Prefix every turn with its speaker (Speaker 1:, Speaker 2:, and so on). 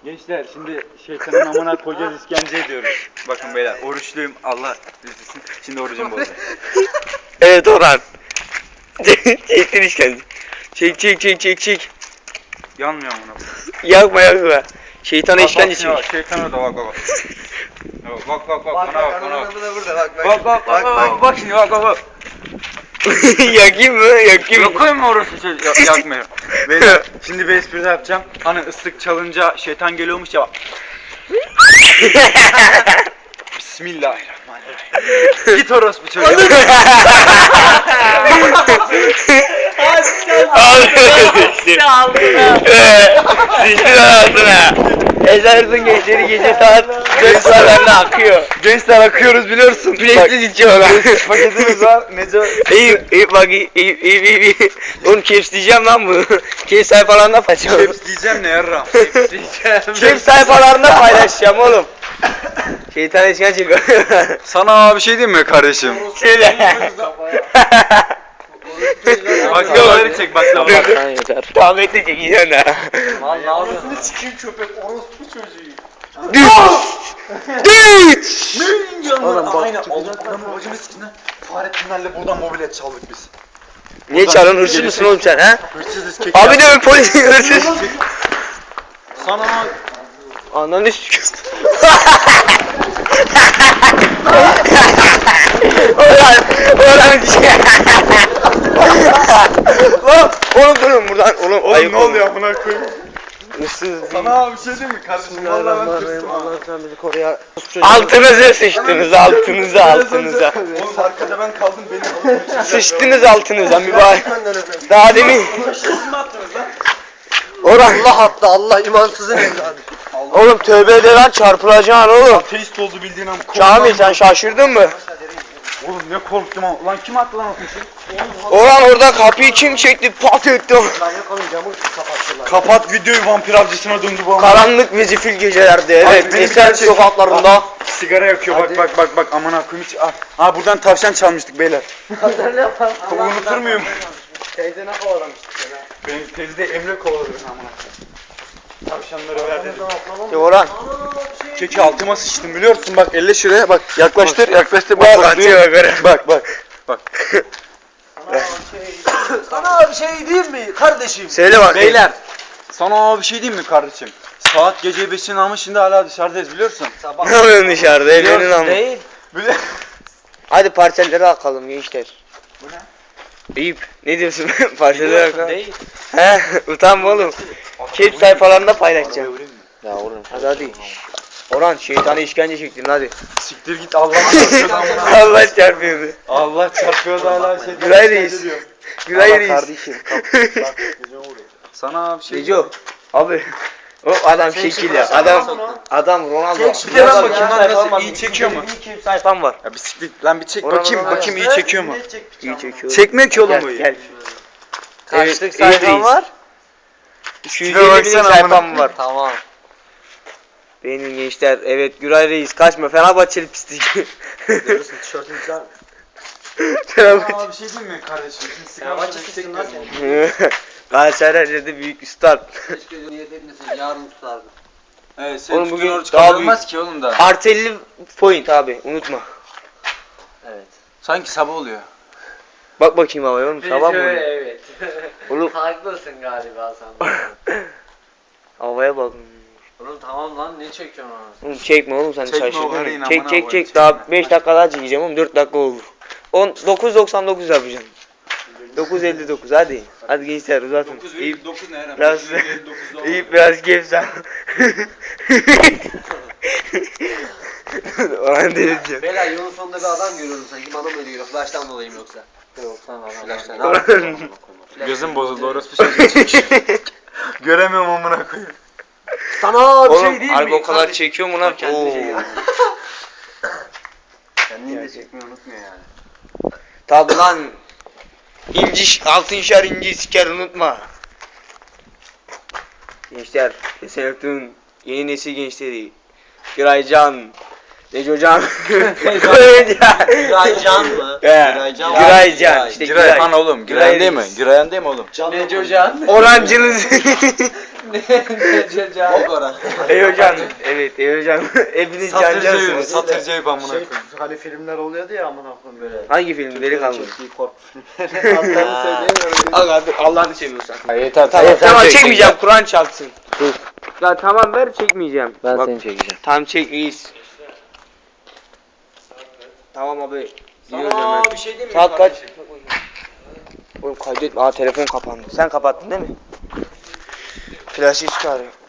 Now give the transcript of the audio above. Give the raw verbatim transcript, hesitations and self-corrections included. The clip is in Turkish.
Speaker 1: Gençler şimdi şeytanın amına koyacağız, işkence ediyoruz. Bakın beyler, oruçluyum, Allah üzülsün. Şimdi orucum bozuldu.
Speaker 2: Evet Orhan. Çektin işkence. Çek çek çek çek çek.
Speaker 1: Yanmıyor amına.
Speaker 2: Yakma yakma. Şeytana işkence
Speaker 1: çek.
Speaker 2: çek.
Speaker 1: Şeytan orada bak bak bak. Bak bak bak,
Speaker 3: Bak
Speaker 1: bana
Speaker 3: bak
Speaker 1: bak, bana bak.
Speaker 3: ananı da burada bak bak.
Speaker 1: Bak bak bak bak, bak şimdi bak bak bak.
Speaker 2: Yakayım mı? Yakayım mı?
Speaker 1: Yakayım mı orası çocuk? Yok, yakmıyorum. Beyler şimdi bir espri yapacağım. Hani ıslık çalınca şeytan geliyormuş ya bak. Bismillahirrahmanirrahim. Git orospu çocuğu.
Speaker 2: Sıçtın ağzına. Ezersın gençleri gece saat dört sularında akıyor.
Speaker 1: Gençler akıyoruz biliyorsun.
Speaker 2: Bilekli içiyorlar.
Speaker 1: Paketimiz var. Neco.
Speaker 2: İyi iyi bak iyi iyi iyi iyi. iyi. Oğlum caps diyeceğim lan bu. Caps sayfalarında paylaşacağım.
Speaker 1: Caps diyeceğim ne yarram. Caps diyeceğim.
Speaker 2: Caps sayfalarında paylaşacağım oğlum. Şeytan eşken çıkıyor.
Speaker 1: Sana bir şey diyeyim mi kardeşim?
Speaker 2: Söyle.
Speaker 1: Baklavaları çek baklavaları.
Speaker 2: Lan yeter. Tamam bekle çekeceğim ha.
Speaker 3: Vallahi orasını sikeyim köpek orospu çocuğu.
Speaker 2: Düş! Düş!
Speaker 1: Oğlum bak. Aynen. Allah'ım babacımı sikin ha. Fahrettinlerle buradan mobilet çaldık biz.
Speaker 2: Niye çalın hırsız mısın oğlum sen ha?
Speaker 1: Hırsızız kek.
Speaker 2: Abi de polis hırsız.
Speaker 1: Sana
Speaker 2: Ananı sikiyorsun. Orhan, Orhan Lan, oğlum durun buradan, oğlum,
Speaker 1: oğlum
Speaker 2: ayıp
Speaker 1: ne oluyor amına koyayım?
Speaker 2: Hırsız.
Speaker 1: Sana bir şey diyeyim mi kardeşim? Vallahi ben tırsım ha.
Speaker 3: Allah sen bizi koru ya.
Speaker 2: Altınıza sıçtınız, altınıza, altınıza.
Speaker 1: Oğlum arkada ben kaldım beni alıp
Speaker 2: Sıçtınız altınıza mübarek. Daha demin.
Speaker 1: Siz mi attınız lan?
Speaker 2: Orhan,
Speaker 3: Allah hatta Allah imansızın evladı.
Speaker 2: oğlum tövbe ede lan çarpılacaksın oğlum.
Speaker 1: Ateist oldu bildiğin ama korktum.
Speaker 2: Kamil sen şaşırdın mı?
Speaker 1: Oğlum ne korktum ama. Lan kim attı lan o fişi?
Speaker 2: Orhan orada kapıyı kim çekti pat etti o.
Speaker 3: Ben yakalım camı kapattılar.
Speaker 1: Kapat videoyu, vampir avcısına döndü bu ama.
Speaker 2: Karanlık ve zifir gecelerde
Speaker 1: Ay,
Speaker 2: evet
Speaker 1: beni
Speaker 2: Eser
Speaker 1: gerçek-
Speaker 2: sokaklarında.
Speaker 1: Sigara yakıyor bak
Speaker 3: Hadi.
Speaker 1: bak bak bak aman akıyım hiç. Ah, ha buradan tavşan çalmıştık beyler.
Speaker 3: Hazırlı yapalım.
Speaker 1: Unutur muyum?
Speaker 3: Teyzene kovalamıştık ya.
Speaker 1: Benim teyze Emre kovaladı beni aman akıyım. Tavşanları ver dedi.
Speaker 2: Ya Orhan.
Speaker 1: Keki altıma sıçtım biliyorsun bak elle şuraya bak yaklaştır yaklaştır
Speaker 2: Bak,
Speaker 1: bak
Speaker 2: atıyor yukarı.
Speaker 1: bak bak bak.
Speaker 3: Sana bir şey diyeyim mi kardeşim?
Speaker 2: Söyle bak.
Speaker 1: Beyler sana bir şey diyeyim mi kardeşim? Saat gece beşin ama şimdi hala dışarıdayız biliyorsun.
Speaker 3: Sabah.
Speaker 2: Ne yapıyorsun dışarıda elinin
Speaker 1: Biliyorsun
Speaker 2: ama.
Speaker 3: Değil.
Speaker 1: Bile
Speaker 2: Hadi parçaları akalım gençler.
Speaker 1: Bu ne?
Speaker 2: Eyüp ne diyorsun parçaları akalım.
Speaker 3: Değil.
Speaker 2: He utanma oğlum. Kep sayfalarında paylaşacağım.
Speaker 3: Ya oğlum.
Speaker 2: Hadi hadi. Orhan şeytana işkence çektin hadi.
Speaker 1: Siktir git Allah'a çarpıyordu amına.
Speaker 2: Allah çarpıyordu.
Speaker 1: Allah çarpıyordu hala şey.
Speaker 2: Güray reis. Güray reis.
Speaker 3: Kardeşim.
Speaker 1: Sana bir şey
Speaker 2: Neco. Abi. O adam şekil ya. Adam adam Ronaldo.
Speaker 3: Çek
Speaker 1: bir de ben
Speaker 2: Adam
Speaker 1: bakayım
Speaker 2: ya,
Speaker 1: lan
Speaker 2: sayfam
Speaker 1: nasıl,
Speaker 2: var.
Speaker 1: iyi çekiyor mu?
Speaker 2: Bir kep sayfam var.
Speaker 1: Ya bir siktir lan bir çek
Speaker 2: Oradan
Speaker 1: bakayım
Speaker 2: oraya.
Speaker 1: bakayım iyi çekiyor mu?
Speaker 2: İyi çekiyor.
Speaker 1: Çekmiyor ki oğlum bu.
Speaker 2: Gel gel.
Speaker 3: Kaçlık
Speaker 2: Evet,
Speaker 3: sayfam
Speaker 2: iyiyiz.
Speaker 3: var?
Speaker 2: iki yüz
Speaker 1: Şuna
Speaker 2: elli bin
Speaker 1: baksana
Speaker 2: sayfam
Speaker 1: amına.
Speaker 2: var.
Speaker 3: Tamam.
Speaker 2: Benim gençler evet Güray Reis kaçma Fenerbahçeli pislik.
Speaker 3: Görürsün tişörtün güzel.
Speaker 2: Fenerbahçe.
Speaker 1: Sana bir şey diyeyim mi kardeşim? Şimdi sigara
Speaker 3: Fenerbahçelisin lan sen.
Speaker 2: Galatasaray'da büyük üstad.
Speaker 3: Keşke niyet etmesin yarın tutardım.
Speaker 1: Evet,
Speaker 2: Oğlum
Speaker 1: oğlum
Speaker 2: bugün
Speaker 1: bugün
Speaker 2: daha
Speaker 1: çıkarılmaz ki oğlum da.
Speaker 2: Artı elli point abi unutma.
Speaker 3: Evet.
Speaker 1: Sanki sabah oluyor.
Speaker 2: Bak bakayım havaya oğlum sabah mı? oluyor?
Speaker 3: Evet.
Speaker 2: Oğlum
Speaker 3: Haklısın galiba sen.
Speaker 2: havaya bak.
Speaker 3: Oğlum tamam lan ne çekiyorsun onu?
Speaker 2: Oğlum çekme oğlum sen
Speaker 1: Çekme o
Speaker 2: şaşırdın.
Speaker 1: karıyı,
Speaker 2: Çek
Speaker 1: amına
Speaker 2: çek
Speaker 1: koyayım,
Speaker 2: çek
Speaker 1: çekme.
Speaker 2: daha beş dakika daha çekeceğim oğlum dört dakika oldu. on dokuz doksan dokuz yapacağım. dokuz elli dokuz hadi. Hadi gençler uzatın. İyi
Speaker 1: dokuz ne herhalde?
Speaker 2: biraz iyi biraz gevşen. Orhan delireceğim.
Speaker 3: Beyler yolun sonunda bir adam görüyorum sanki bana mı ölüyor? Flash'tan dolayı mı yoksa? Yok tamam Flash'tan.
Speaker 2: Orhan.
Speaker 1: Gözüm bozuldu orası bir şey. Göremiyorum amına koyayım.
Speaker 3: Sana bir
Speaker 2: Oğlum
Speaker 3: şey değil mi?
Speaker 2: harbi o kadar çekiyor mu lan?
Speaker 3: Kendine şey
Speaker 2: Oo.
Speaker 3: gel. Kendini de çekmeyi unutmuyor yani.
Speaker 2: Tabi lan. İnci, altın şer inci siker unutma. Gençler, Esenok'un yeni nesil gençleri. Giraycan, Necocan, Giraycan.
Speaker 3: Giraycan mı?
Speaker 2: He,
Speaker 3: Giraycan.
Speaker 2: Giraycan. İşte
Speaker 1: Girayhan oğlum,
Speaker 2: Giray
Speaker 1: Girayhan değil mi?
Speaker 2: Reis.
Speaker 1: Girayhan değil mi oğlum?
Speaker 3: Necocan.
Speaker 2: Orancınız.
Speaker 3: Bok ora.
Speaker 2: Ey hocam. Evet ey hocam. Hepiniz cancağısınız.
Speaker 1: Satırcayı amına
Speaker 4: Şey,
Speaker 1: koyayım.
Speaker 4: hani filmler oluyordu ya amına koyayım böyle.
Speaker 2: Hangi film? Delikanlı.
Speaker 4: Çektiği korku filmleri. Adlarını söyleyemiyorum.
Speaker 2: Aga Allah'ını seviyorsan.
Speaker 4: Yeter
Speaker 2: Tamam, tamam çekmeyeceğim. Kur'an çalsın. Ya tamam ver çekmeyeceğim.
Speaker 4: Ben
Speaker 2: Bak,
Speaker 4: seni çekeceğim.
Speaker 2: Tamam çek reis. Tamam abi. Gidiyoruz hemen.
Speaker 1: bir şey diyeyim mi?
Speaker 2: Saat kaç? Oğlum kaydetme. Aa telefon kapandı. Sen kapattın değil mi? Flaşı çıkarıyor.